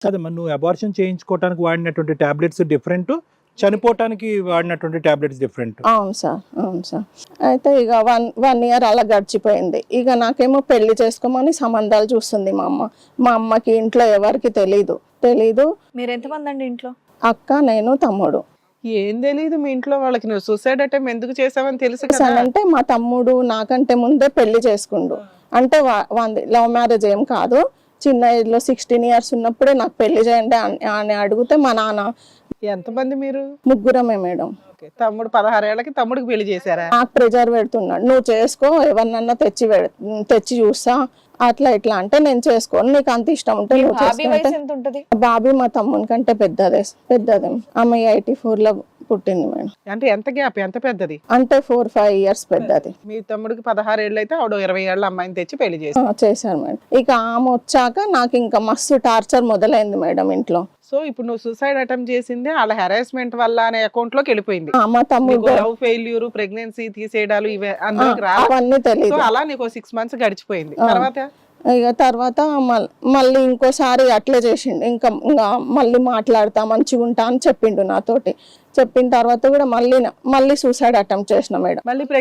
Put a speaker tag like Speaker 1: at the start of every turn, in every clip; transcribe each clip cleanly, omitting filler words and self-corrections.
Speaker 1: కదమ్మా, నువ్వు అబార్షన్ చేయించుకోవడానికి వాడినటువంటి టాబ్లెట్స్ డిఫరెంట్, చనిపోవటానికి వాడినటువంటి టాబ్లెట్స్ డిఫరెంట్.
Speaker 2: అవును సార్, అవును సార్. అయితే ఇక వన్ ఇయర్ అలా గడిచిపోయింది. ఇక నాకేమో పెళ్లి చేసుకోమని సంబంధాలు చూస్తుంది మా అమ్మ. మా అమ్మకి ఇంట్లో ఎవరికి తెలీదు.
Speaker 3: మీరు ఎంతమంది అండి ఇంట్లో?
Speaker 2: అక్క, నేను, తమ్ముడు.
Speaker 4: ఏం తెలియదు మీ ఇంట్లో వాళ్ళకి నువ్వు సూసైడ్ అటెంప్ట్ ఎందుకు చేసావని తెలుసు కదా?
Speaker 2: అంటే మా తమ్ముడు నాకంటే ముందే పెళ్లి చేసుకుండు. అంటే లవ్ మ్యారేజ్ ఏం కాదు, చిన్న ఏజ్ లో 16 years ఉన్నప్పుడే నాకు పెళ్లి చేయండి అని అడిగితే మా నాన్న.
Speaker 4: ఎంతమంది మీరు?
Speaker 2: ముగ్గురమే మేడం.
Speaker 4: తమ్ముడు 16 ఏళ్ళకి తమ్ముడికి పెళ్లి చేశారా?
Speaker 2: నాకు ప్రెజర్ పెడుతున్నాడు, నువ్వు చేసుకో, ఎవరినన్నా తెచ్చి చూస్తా, అట్లా ఇట్లా అంటే నేను చేసుకోను, నీకు అంత ఇష్టం ఉంటే నువ్వు చేసుకుంటే. బాబీ మా తమ్ముని కంటే పెద్దదే. ఆమె 84 లో పుట్టింది మేడం.
Speaker 4: అంటే ఎంత గ్యాప్, ఎంత పెద్దది?
Speaker 2: అంటే 4-5 years పెద్దది.
Speaker 4: మీ తమ్ముడికి 16 ఏళ్ళు అయితే ఆవిడ 20 ఏళ్ళ అమ్మాయిని తెచ్చి పెళ్లి
Speaker 2: చేశారు మేడం. ఇక ఆమె వచ్చాక నాకు ఇంకా మస్తు టార్చర్ మొదలైంది మేడం ఇంట్లో.
Speaker 4: సో ఇప్పుడు నువ్వు సూసైడ్ అటెంప్ట్ చేసింది వాళ్ళ హెరాస్మెంట్ వల్ల అనే అకౌంట్ లోకి వెళ్ళిపోయింది.
Speaker 2: మా తమ్ముడు
Speaker 4: లవ్ ఫెయిల్యూర్, ప్రెగ్నెన్సీ తీసేయడాలు ఇవే
Speaker 2: అవన్నీ తెలియదు.
Speaker 4: అలా నీకు 6 months గడిచిపోయింది.
Speaker 2: తర్వాత మళ్ళీ ఇంకోసారి అట్లే చేసిండు. ఇంకా మళ్ళీ మాట్లాడతా, మంచిగా ఉంటా అని చెప్పిండు నాతోటి. చెప్పిన తర్వాత కూడా మళ్ళీ సూసైడ్ అటెంప్ట్ చేసిన మేడం.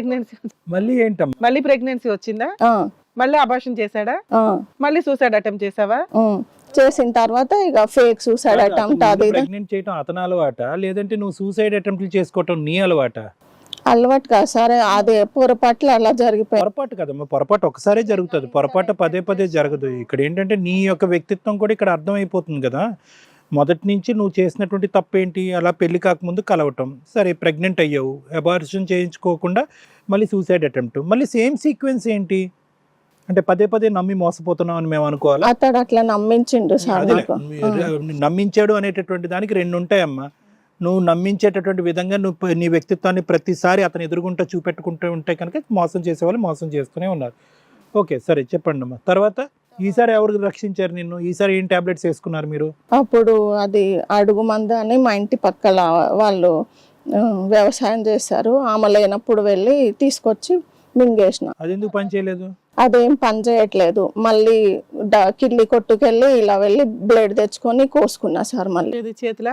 Speaker 4: మళ్ళీ ప్రెగ్నెన్సీ వచ్చిందా? మళ్ళీ అబార్షన్ చేశాడా? మళ్ళీ సూసైడ్ అటెంప్ట్ చేసావా?
Speaker 2: చేసిన తర్వాత ఇక ఫేక్ సూసైడ్ అటెంప్ట్. అది
Speaker 1: ప్రెగ్నెంట్ చేయడం అతని అలవాట, లేదంటే నువ్వు సూసైడ్ అటెంప్ట్ చేసుకోవటం నీ అలవాట?
Speaker 2: అలవాటు కాదు సార్, అదే పొరపాట్లు అలా జరిగిపోయి.
Speaker 1: పొరపాటు కదమ్మా, పొరపాటు ఒకసారే జరుగుతుంది, పొరపాటు పదే జరగదు. ఇక్కడ ఏంటంటే నీ యొక్క వ్యక్తిత్వం కూడా ఇక్కడ అర్థమైపోతుంది కదా. మొదటి నుంచి నువ్వు చేసినటువంటి తప్పేంటి, అలా పెళ్లి కాకముందు కలవటం, సరే ప్రెగ్నెంట్ అయ్యావు, అబార్షన్ చేయించుకోకుండా మళ్ళీ సూసైడ్ అటెంప్ట్, మళ్ళీ సేమ్ సీక్వెన్స్ ఏంటి అంటే పదే నమ్మి మోసపోతున్నావు అని మేము అనుకోవాలి.
Speaker 2: అతడు అట్లా నమ్మించిండు సార్.
Speaker 1: నమ్మించాడు అనేటటువంటి దానికి 2 ఉంటాయమ్మా. నువ్వు నమ్మించేటటువంటి విధంగా నువ్వు నీ వ్యక్తిత్వాన్ని ప్రతిసారి అతను ఎదురుగుంటూ చూపెట్టుకుంటూ ఉంటే కనుక మోసం చేసేవాళ్ళు మోసం చేస్తూనే ఉన్నారు. ఓకే సరే చెప్పండి అమ్మా. తర్వాత ఈసారి ఎవరు రక్షించారు నిన్ను? ఈసారి ఏం టాబ్లెట్స్ వేసుకున్నారు మీరు?
Speaker 2: అప్పుడు అది అడుగు మంద అని మా ఇంటి పక్కల వాళ్ళు వ్యవసాయం చేశారు. ఆమె లేనప్పుడు వెళ్ళి తీసుకొచ్చి మింగేసిన.
Speaker 1: అది ఎందుకు పని చేయలేదు?
Speaker 2: అదేం పని చేయట్లేదు. మళ్ళీ కిడ్లీ కొట్టుకెళ్ళి ఇలా వెళ్ళి బ్లేడ్ తెచ్చుకొని కోసుకున్నా సార్. మళ్ళీ
Speaker 4: చేతిలో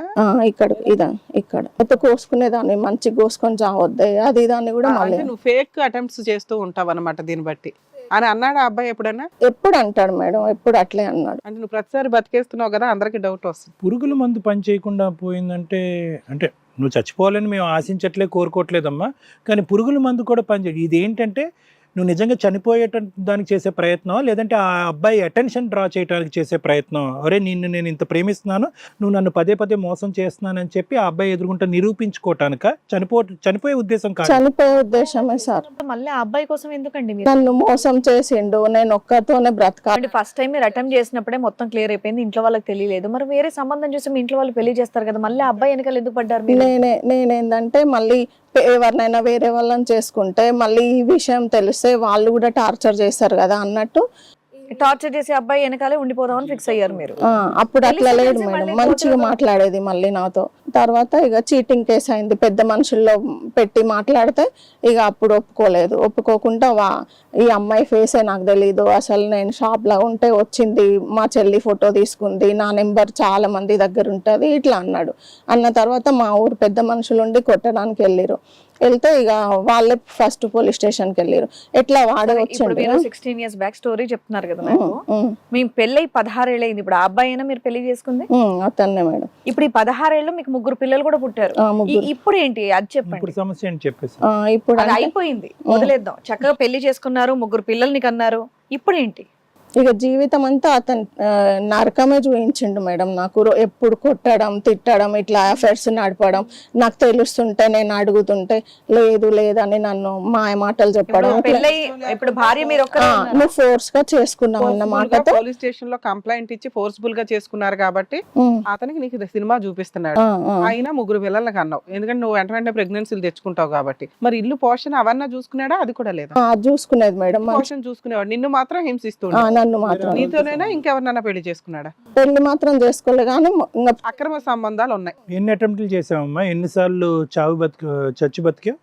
Speaker 2: ఇక్కడ అయితే కోసుకునేదాన్ని, మంచిగా కోసుకొని చావద్దే అది దాన్ని కూడా. మళ్ళీ
Speaker 4: నువ్వు ఫేక్ అటెంప్ట్స్ చేస్తూ ఉంటావు అన్నమాట దీన్ని బట్టి అని అన్నాడు ఆ అబ్బాయి ఎప్పుడన్నా?
Speaker 2: ఎప్పుడు అంటాడు మేడం, ఎప్పుడు అట్లే అన్నాడు.
Speaker 4: అంటే నువ్వు ప్రతిసారి బతికేస్తున్నావు కదా, అందరికి డౌట్ వస్తుంది.
Speaker 1: పురుగుల మందు పని చేయకుండా పోయిందంటే అంటే నువ్వు చచ్చిపోవాలని మేము ఆశించట్లే, కోరుకోవట్లేదమ్మా, కానీ పురుగుల మందు కూడా పనిచేయదు. ఇది ఏంటంటే నువ్వు నిజంగా చనిపోయేట దానికి చేసే ప్రయత్నం, లేదంటే ఆ అబ్బాయి అటెన్షన్ డ్రా చేయడానికి చేసే ప్రయత్నం. అరే నేను ఇంత ప్రేమిస్తున్నాను, నువ్వు నన్ను పదే మోసం చేస్తున్నానని చెప్పి ఆ అబ్బాయి ఎదుర్కొంటే నిరూపించుకోవటానిక చనిపోయే ఉద్దేశం కాదు.
Speaker 2: చనిపోయే ఉద్దేశమే సార్.
Speaker 3: మళ్ళీ ఆ అబ్బాయి కోసం ఎందుకండి?
Speaker 2: నన్ను మోసం చేసిండు, నేను ఒక్కతోనే బ్రతకాలి.
Speaker 3: ఫస్ట్ టైం మీరు అటెంప్ట్ చేసినప్పుడే మొత్తం క్లియర్ అయిపోయింది, ఇంట్లో వాళ్ళకి తెలియలేదు. మరి వేరే సంబంధం చూసి మీ ఇంట్లో వాళ్ళు పెళ్లి చేస్తారు కదా, మళ్ళీ అబ్బాయి వెనకాల ఎందుకు పడ్డారు?
Speaker 2: నేనేందంటే మళ్ళీ ఎవరినైనా వేరే వాళ్ళని చేసుకుంటే మళ్ళీ ఈ విషయం తెలిస్తే వాళ్ళు కూడా టార్చర్ చేస్తారు కదా అన్నట్టు
Speaker 3: టార్చర్ చేసే అబ్బాయి వెనకాలే ఉండిపోదామని ఫిక్స్ అయ్యారు మీరు.
Speaker 2: అప్పుడు అట్లా లేదు మేడం, మంచిగా మాట్లాడేది మళ్ళీ నాతో. తర్వాత ఇక చీటింగ్ కేసు అయింది, పెద్ద మనుషుల్లో పెట్టి మాట్లాడితే ఇక అప్పుడు ఒప్పుకోకుండా ఈ అమ్మాయి ఫేసే నాకు తెలీదు, అసలు నేను షాప్ లో ఉంటే వచ్చింది, మా చెల్లి ఫోటో తీసుకుంది, నా నెంబర్ చాలా మంది దగ్గర ఉంటుంది ఇట్లా అన్నాడు. అన్న తర్వాత మా ఊరు పెద్ద మనుషులు ఉండి కొట్టడానికి వెళ్తే ఇక వాళ్ళే ఫస్ట్ పోలీస్ స్టేషన్ కి వెళ్ళారు. ఎట్లా వాడే వచ్చిండు.
Speaker 3: 16 years బ్యాక్ స్టోరీ చెప్తున్నారు కదా నాకు. మేము పెళ్ళై 16 ఏళ్ళు అయింది. ఇప్పుడు ఆ అబ్బాయి అయినా మీరు పెళ్లి చేసుకుంది?
Speaker 2: అతన్నే మేడం.
Speaker 3: ఇప్పుడు ఈ 16 ఏళ్ళు మీకు 3 పిల్లలు కూడా పుట్టారు. ఇప్పుడు ఏంటి అది చెప్పండి.
Speaker 1: సమస్య ఏంటి చెప్పేసి.
Speaker 2: ఇప్పుడు
Speaker 3: అది అయిపోయింది, వదిలేద్దాం. చక్కగా పెళ్లి చేసుకున్నారు, 3 పిల్లల్ని కన్నారు. ఇప్పుడు ఏంటి?
Speaker 2: ఇక జీవితం అంతా అతను నరకమే చూపించిండు మేడం నాకు. ఎప్పుడు కొట్టడం, తిట్టడం, ఇట్లా అఫైర్స్ నడపడం, నాకు తెలుస్తుంటే నేను అడుగుతుంటే లేదు లేదని నన్ను మాయ మాటలు చెప్పడం.
Speaker 3: ఇప్పుడు భార్య మీరు
Speaker 2: నువ్వు ఫోర్స్ గా చేసుకున్నావు అన్న మాటతో
Speaker 4: పోలీస్ స్టేషన్ లో కంప్లైంట్ ఇచ్చి ఫోర్స్ఫుల్ గా చేసుకున్నారు కాబట్టి అతనికి నీకు సినిమా చూపిస్తున్నాడు. అయినా 3 పిల్లలకి అన్నావు, ఎందుకంటే నువ్వు వెంటనే ప్రెగ్నెన్సీలు తెచ్చుకుంటావు కాబట్టి. మరి ఇల్లు పోషణ అవన్నీ చూసుకున్నాడా? అది కూడా లేదా?
Speaker 2: చూసుకునేది మేడం,
Speaker 4: పోషణ చూసుకునేవాడు. నిన్ను మాత్రం హింసిస్తున్నాడు. నీతోనైనా ఇంకెవరినైనా పెళ్లి చేసుకున్నాడా?
Speaker 2: పెళ్లి మాత్రం చేసుకోలే, కానీ
Speaker 4: అక్రమ సంబంధాలు ఉన్నాయి.
Speaker 1: ఎన్ని అటెంప్ట్లు చేసావమ్మా? ఎన్నిసార్లు చచ్చి బతికావు?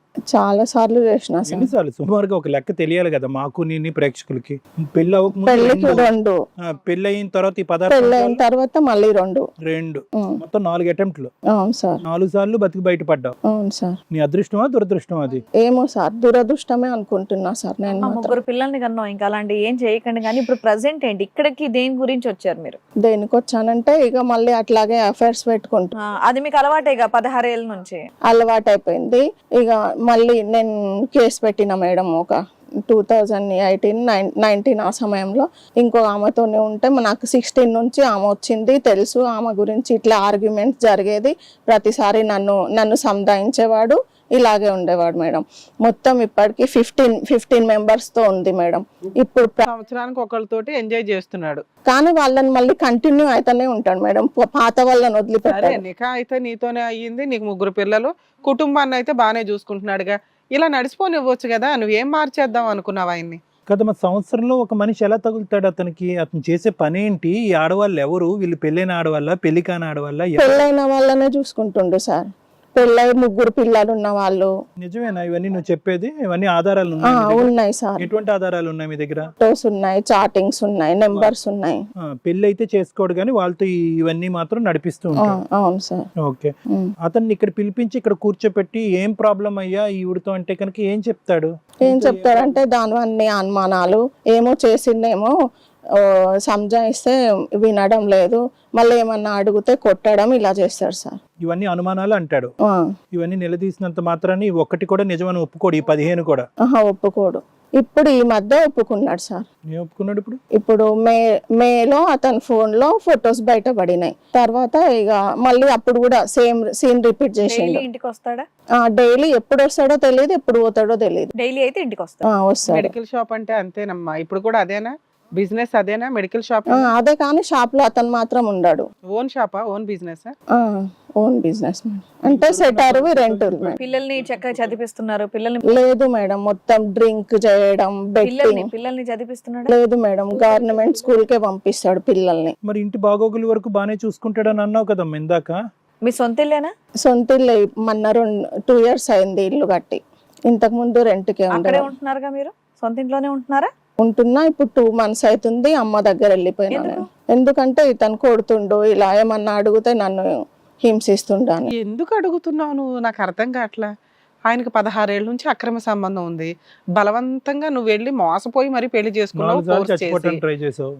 Speaker 2: చాలా సార్లు చేసిన సార్.
Speaker 1: ఎన్నిసార్లు సుమారుగా ఒక లెక్క తెలియాలి కదా మాకు నీ ప్రేక్షకులకి. పెళ్లి
Speaker 2: పెళ్లికి 2,
Speaker 1: పెళ్లి అయిన తర్వాత ఈ
Speaker 2: పెళ్ళైన తర్వాత మళ్ళీ 2.
Speaker 1: మొత్తం 4 అటెంప్ట్లు.
Speaker 2: అవును సార్.
Speaker 1: 4 సార్లు బతికి బయటపడ్డావు.
Speaker 2: అవును సార్.
Speaker 1: నీ అదృష్టమా దురదృష్టమా అది?
Speaker 2: ఏమో సార్, దురదృష్టమే అనుకుంటున్నా సార్ నేను
Speaker 3: ఆ
Speaker 2: మాత్రం.
Speaker 3: 3 పిల్లల్ని కన్నా ఇంకా అలాంటి ఏం చేయకండి. కానీ ఇప్పుడు ప్రెసెంట్ ఏంటి ఇక్కడికి దేని గురించి వచ్చారు మీరు?
Speaker 2: దేనికి వచ్చానంటే ఇక మళ్ళీ అట్లాగే అఫైర్స్ పెట్టుకుంటా.
Speaker 3: అది మీకు అలవాటేగా 16 ఏళ్ళ నుంచి.
Speaker 2: అలవాటు అయిపోయింది. ఇక మళ్ళీ నేను కేసు పెట్టిన మేడం ఒక 2018-19 ఆ సమయంలో. ఇంకో ఆమెతోనే ఉంటే నాకు 16 నుంచి ఆమె వచ్చింది తెలుసు. ఆమె గురించి ఇట్లా ఆర్గ్యుమెంట్స్ జరిగేది, ప్రతిసారి నన్ను సంధాయించేవాడు, ఇలాగే ఉండేవాడు మేడం. మొత్తం ఇప్పటికి 15 మెంబర్స్ తో ఉంది మేడం. ఇప్పుడు
Speaker 4: సంవత్సరానికి ఒకళ్ళతోటి ఎంజాయ్ చేస్తున్నాడు.
Speaker 2: కానీ వాళ్ళని మళ్ళీ కంటిన్యూ అయితేనే ఉంటాడు మేడం, పాత వాళ్ళని
Speaker 4: సరే,
Speaker 2: వదిలిపెట్టారు.
Speaker 4: నికా అయితే నీతోనే అయ్యింది, నీకు 3 పిల్లలు, కుటుంబాన్ని అయితే బాగానే చూసుకుంటున్నాడుగా. ఇలా నడిచిపోనివ్వచ్చు కదా, నువ్వేం మార్చేద్దాం అనుకున్నావు ఆయన్ని?
Speaker 1: కదా మరి సంవత్సరంలో ఒక మనిషి ఎలా తగులుతాడు అతనికి? అతను చేసే పని ఏంటి? ఈ ఆడవాళ్ళు ఎవరు? వీళ్ళు పెళ్ళైన ఆడవాళ్ళ, పెళ్లి కాని ఆడవాళ్ళ?
Speaker 2: పెళ్ళైన వాళ్ళనే చూసుకుంటుండు సార్. పెళ్ళై 3 పిల్లలు ఉన్న వాళ్ళు.
Speaker 1: నిజమేనా ఇవన్నీ నువ్వు చెప్పేది? ఇవన్నీ ఆధారాలు
Speaker 2: ఉన్నాయి సార్.
Speaker 1: ఎటువంటి ఆధారాలు ఉన్నాయి మీ దగ్గర?
Speaker 2: ఫోటోస్ ఉన్నాయి, చాటింగ్స్ ఉన్నాయి, నెంబర్స్ ఉన్నాయి.
Speaker 1: పెళ్లి అయితే చేసుకోడు కానీ వాళ్ళతో ఇవన్నీ మాత్రం నడిపిస్తూ ఉంటాడు.
Speaker 2: అవును సార్.
Speaker 1: ఓకే. అతన్ని ఇక్కడ పిలిపించి ఇక్కడ కూర్చోపెట్టి ఏం ప్రాబ్లం అయ్యా ఈవిడతో అంటే కనుక ఏం చెప్తాడు?
Speaker 2: ఏం చెప్తారంటే దానివన్నీ అనుమానాలు, ఏమో చేసిందేమో సంజాయిస్తే వినడం లేదు, మళ్ళీ ఏమన్నా అడిగితే కొట్టడం, ఇలా చేస్తారు సార్.
Speaker 1: ఇవన్నీ అనుమానాలు అంటాడు. ఇవన్నీ నిలదీసినంత మాత్రాన్ని ఒక్కటి కూడా నిజమని ఒప్పుకోడు. ఈ 15 కూడా
Speaker 2: ఒప్పుకోడు. ఇప్పుడు ఈ మధ్య ఒప్పుకున్నాడు సార్.
Speaker 1: ఏం ఒప్పుకున్నాడు?
Speaker 2: ఇప్పుడు మేలో అతని ఫోన్ లో ఫొటోస్ బయటపడినాయి. తర్వాత ఇక మళ్ళీ అప్పుడు కూడా సేమ్ సీన్ రిపీట్ చేసిండు.
Speaker 3: ఇంటికి వస్తాడా?
Speaker 2: డైలీ ఎప్పుడు వస్తాడో తెలియదు, ఎప్పుడు పోతాడో తెలియదు.
Speaker 3: డైలీ అయితే ఇంటికి వస్తాడు.
Speaker 2: వస్తాడు.
Speaker 4: మెడికల్ షాప్ అంటే అంతేనమ్మా. ఇప్పుడు కూడా అదేనా బిజినెస్? అదేనా మెడికల్ షాప్?
Speaker 2: అదే, కానీ షాప్ లో అతను మాత్రం ఉండడు.
Speaker 4: ఓన్ షాపా? Own business?
Speaker 2: ఓన్ బిజినెస్ అంటే సెటర్ రెంట్.
Speaker 3: పిల్లల్ని చక్కగా చదివిస్తున్నారు? పిల్లల్ని
Speaker 2: లేదు మేడం, మొత్తం డ్రింక్ చేయడం, బెట్టింగ్.
Speaker 3: పిల్లల్ని చదివిస్తున్నాడు?
Speaker 2: లేదు మేడం, గవర్నమెంట్ స్కూల్ కే పంపిస్తాడు పిల్లల్ని.
Speaker 1: మరి ఇంటి బాగోగుల వరకు బానే చూసుకుంటాడని అన్నావు కదమ్మా ఇందాక.
Speaker 3: మీ సొంత ఇల్లేనా?
Speaker 2: సొంత ఇల్లు. మొన్న 2 years అయింది ఇల్లు కట్టి. ఇంతకు ముందు రెంట్కే
Speaker 3: అక్కడే ఉంటున్నారుగా మీరు? సొంత ఇంట్లోనే ఉంటున్నారా?
Speaker 2: ఉంటున్నా. ఇప్పుడు 2 months అవుతుంది. అమ్మ దగ్గర వెళ్ళిపోయినా నేను. ఎందుకంటే ఇతను కొడుతుండు, ఇలా ఏమన్నా అడిగితే నన్ను హింసిస్తుండాను.
Speaker 4: ఎందుకు అడుగుతున్నావు నువ్వు? నాకు అర్థం కావట్లా. ఆయనకి 16 ఏళ్ళ నుంచి అక్రమ సంబంధం ఉంది. బలవంతంగా నువ్వు వెళ్ళి మోసపోయి మరి పెళ్లి చేసుకున్నావు.
Speaker 1: ట్రై చేసావు.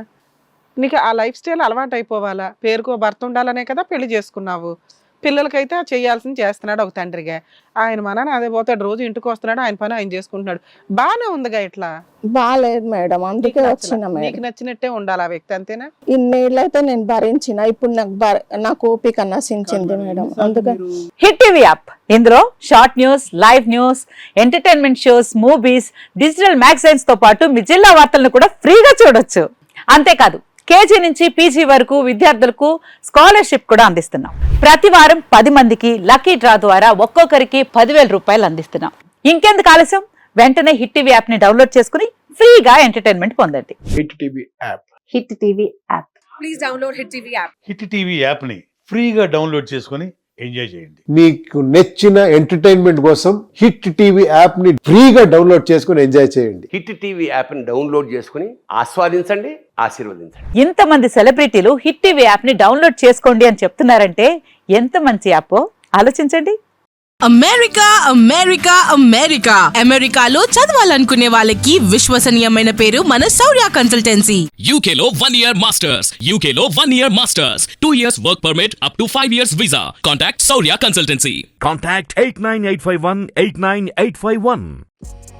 Speaker 4: నీకు ఆ లైఫ్ స్టైల్ అలవాటు అయిపోవాలా? పేరుకో భర్త ఉండాలనే కదా పెళ్లి చేసుకున్నావు. పిల్లలకైతే చేయాల్సింది చేస్తున్నాడు ఒక తండ్రిగా. ఆయన మనని అదే పోతాడు, రోజు ఇంటికి వస్తున్నాడు, ఆయన పని ఆయన చేసుకుంటున్నాడు. బానే ఉందిగా. ఇట్లా
Speaker 2: బాలేదు మేడం, అందుకే వచ్చిన.
Speaker 4: నీకు నచ్చినట్టే ఉండాలి ఆ వ్యక్తి, అంతేనా?
Speaker 2: ఇన్నేళ్ళైతే నేను భరించిన, ఇప్పుడు నాకు ఓపిక నశించింది మేడం. అందుకని
Speaker 5: హిట్ టీవీ యాప్, ఇందులో short news, live news, entertainment shows, movies, digital magazines తో పాటు మీ జిల్లా వార్తలను కూడా ఫ్రీగా చూడొచ్చు. అంతేకాదు కేజీ నుంచి పీజీ వరకు విద్యార్థులకు స్కాలర్షిప్ కూడా అందిస్తున్నాం. ప్రతి వారం 10 మందికి లక్కీ డ్రా ద్వారా ఒక్కొక్కరికి 10,000 రూపాయలు అందిస్తున్నాం. ఇంకెందుకు ఆలస్యం? వెంటనే హిట్ టీవీ యాప్ ని డౌన్లోడ్ చేసుకుని ఫ్రీగా ఎంటర్టైన్మెంట్ పొందండి.
Speaker 6: Hit TV app.
Speaker 5: Hit TV app.
Speaker 3: Please download hit TV app.
Speaker 6: Hit TV app ని ఫ్రీగా డౌన్లోడ్ చేసుకొని ఎంజాయ్ చేయండి.
Speaker 7: మీకు నచ్చిన ఎంటర్టైన్మెంట్ కోసం హిట్ టీవీ యాప్ ని ఫ్రీగా డౌన్లోడ్ చేసుకొని ఎంజాయ్ చేయండి.
Speaker 8: హిట్ టీవీ యాప్ ని డౌన్లోడ్ చేసుకుని ఆస్వాదించండి, ఆశీర్వదించండి.
Speaker 5: ఇంతమంది సెలబ్రిటీలు హిట్ టీవీ యాప్ ని డౌన్లోడ్ చేసుకోండి అని చెప్తున్నారంటే ఎంత మంచి యాప్ ఆలోచించండి.
Speaker 9: అమెరికా అమెరికా అమెరికా అమెరికాలో చదవాలనుకునే వాళ్ళకి విశ్వసనీయమైన పేరు మన శౌర్య కన్సల్టెన్సీ.
Speaker 10: UK లో 1 year masters, UK లో 1 year masters, 2 years work permit up to 5 years visa. Contact Saurya Consultancy.
Speaker 11: Contact 89851 89851.